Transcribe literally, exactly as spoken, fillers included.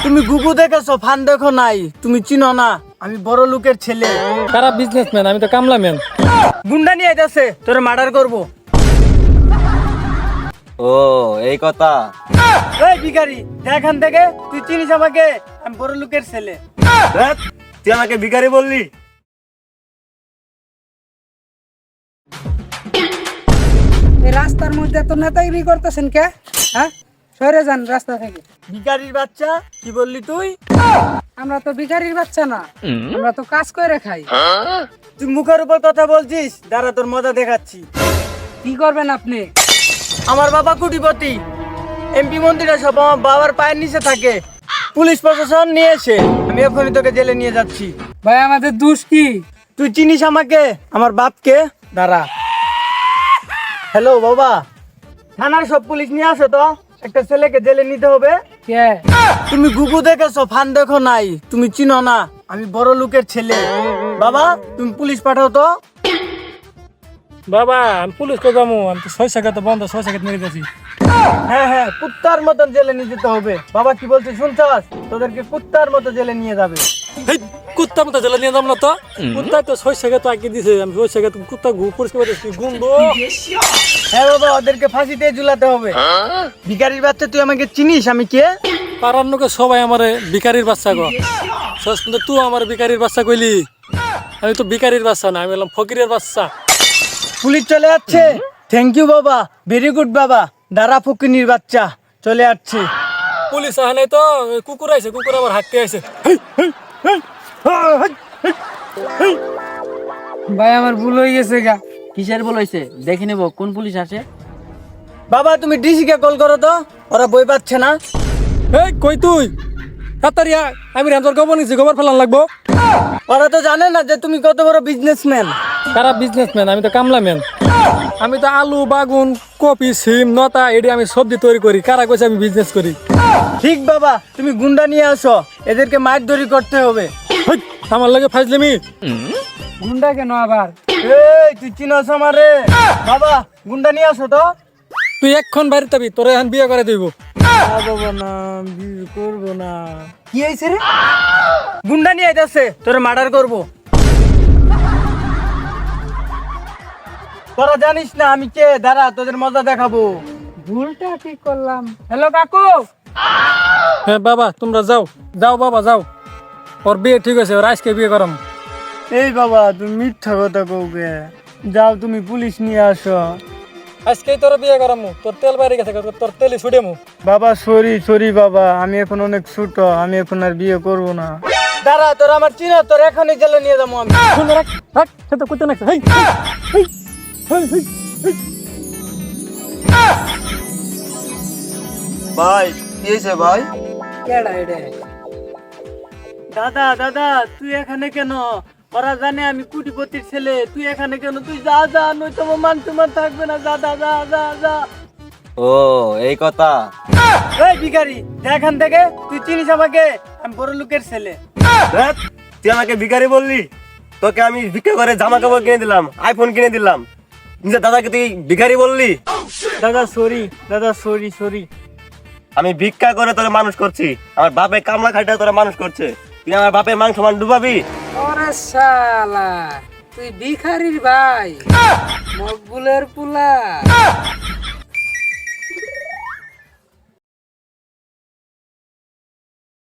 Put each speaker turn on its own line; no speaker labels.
তুমি গুগু দেখেছো, ফান দেখো নাই, তুমি চিনো না আমি বড় লোকের ছেলে।
খারাপ বিজনেসম্যান, আমি তো কামলা ম্যান।
গুন্ডা নিয়ে আইতাছে, তোরে মার্ডার করবো।
ও এই কথা।
এই ভিখারি, এখান থেকে তুই চিনিস আমাকে? আমি বড় লোকের ছেলে।
ধ্যাৎ, তুই আমাকে ভিখারি বললি?
এই রাস্তার মধ্যে এত নেতাগিরি করতেছেন কে? হ্যাঁ, সরে যান রাস্তা থেকে।
ভিখারির বাচ্চা, কি বললি তুই?
আমরা তো ভিখারির বাচ্চা না, আমরা তো কাজ করে খাই।
তুই মুখের উপর কথা বলছিস, দাঁড়া তোর মজা দেখাচ্ছি।
কি করবেন আপনি?
আমার বাবা কোটিপতি, এমপি মন্ত্রীরা সব আমার বাবার পায়ের নিচে থাকে। পুলিশ প্রশাসন নিয়ে এসে আমি এখনই তোকে জেলে নিয়ে যাচ্ছি।
ভাই আমাদের দোষ কি?
তুই চিনিস আমাকে, আমার বাপকে? দাঁড়া। হ্যালো বাবা, থানার সব পুলিশ নিয়ে আসো তো, একটা ছেলেকে জেলে নিতে হবে।
কে?
তুমি গুগু দেখেছো, ফান দেখো নাই, তুমি চিনো না আমি বড় লোকের ছেলে। বাবা তুমি পুলিশ পাঠাও তো।
বাবা আমি পুলিশ কো যাবো, আমি তো ছয় সাকাত বন্ধ, ছয় সাকাত মেরে গেছি।
হ্যাঁ হ্যাঁ, কুত্তার মতন জেলে নিয়ে যেতে হবে। বাবা কি বলছিস শুনছাস? তোদেরকে কুত্তার মতো জেলে নিয়ে যাবে।
হেই, কুত্তা মতো জেলে নিয়ে যাবো না তো। কুত্তা তো ছয় সাকাত আগে দিছে, আমি ছয় সাকাত কুত্তা ঘু পরিষ্কার করতেছি, গুন্দ।
হ্যাঁ বাবা, ওদেরকে ফাঁসিতে ঝুলাতে হবে। ভিখারির বাচ্চা, তুই আমাকে চিনিস আমি কে?
পাড়ার লোকে সবাই আমারে ভিখারির বাচ্চা গো। শেষ পর্যন্ত তুই আমার ভিখারির বাচ্চা কইলি। আমি তো ভিখারির বাচ্চা না, আমি বললাম ফকিরের বাচ্চা।
পুলিশ চলে যাচ্ছে। থ্যাংক ইউ বাবা, ভেরি গুড বাবা। দাঁড়া ফকিনির বাচ্চা, চলে যাচ্ছে।
পুলিশ আহে নাই তো, ওই কুকুর আইছে, কুকুর আবার হাঁকতে আইছে।
ভাই আমার ভুল হয়ে গেছে গা।
কিসের বলেছে দেখে নেব কোন পুলিশ আসে।
বাবা তুমি ডিসিকে কল করো তো, ওরা বই পাচ্ছে না।
এই কই তুই? তাড়াতাড়ি আয়, আমি রেঞ্জর গোবর নিছি, গোবর ফেলান লাগবো।
ওরা তো জানে না যে তুমি কত বড় বিজনেসম্যান।
খারাপ বিজনেসম্যান, আমি তো কামলা ম্যান। আমি তো আলু বাগুন কপি সিম নতা এডি আমি সবজি তৈরি করি। কারা কইছে আমি বিজনেস করি?
ঠিক বাবা, তুমি গুন্ডা নিয়ে আসো, এদেরকে মারধরি করতে হবে।
হেই, আমার লাগে ফাইজলামি।
গুন্ডা কেন আবার?
এই তুই চিনস আমারে? বাবা গুন্ডা নিয়ে আসো তো।
তুই এক্ষণ বাড়িতে যাবি, তোরে এখন বিয়ে করে দিব।
না বাবা না, বিয়ে করবো না।
কি হয়েছে রে?
গুন্ডা নিয়ে আইতাছে, তোরে মার্ডার করবো। তোরা জানিস না আমি কে? দাঁড়া তোদের মজা দেখাবো।
ভুলটা কি করলাম? হ্যালো কাকু।
হ্যাঁ বাবা, তোমরা যাও যাও বাবা যাও। ওর বিয়ে ঠিক আছে, ওর আজকে বিয়ে করাম।
এই বাবা তুমি মিথ্যা কথা কওকে। যাও তুমি পুলিশ নিয়ে আসো।
আজকেই তোর বিয়ে করামু। তোর তেল বাইরে গেছে, তোর তেলই ছুটেমু।
বাবা সরি সরি বাবা, আমি এখন অনেক ছোট, আমি এখন আর বিয়ে করবো না। দাঁড়া তোর আমার চিনো, তোর এখনই জেলে নিয়ে যাবো আমি।
শুনে রাখ, রাখ, সে তো করতে নাকছে। হেই, হেই, হেই, হেই, হেই।
ভাই কি হয়েছে ভাই?
কেডা এডে?
দাদা দাদা তুই এখানে কেন? ওরা জানে আমি কোটিপতির ছেলে, তুই এখানে কেন? তুই যা যা, নয়তো আমার মান সম্মান থাকবে না। যা যা যা যা যা।
ও এই কথা।
এই ভিখারি, এখান থেকে তুই চিনিস আমাকে? আমি বড় লোকের ছেলে।
ধ্যাৎ, তুই আমাকে ভিখারি বললি? তোকে আমি ভিক্ষা করে জামা কাপড় কিনে দিলাম, আইফোন কিনে দিলাম, নিজের দাদাকে তুই ভিখারি বললি?
দাদা সরি, দাদা সরি সরি।
আমি ভিক্ষা করে তোরে মানুষ করছি, আমার বাপে কামলা খাইটা তোরে মানুষ করছে, তুই আমার বাপের মাংস মান ডুবাবি?
ওরে শালা, তুই ভিখারির ভাই, মকবুলের পুলা।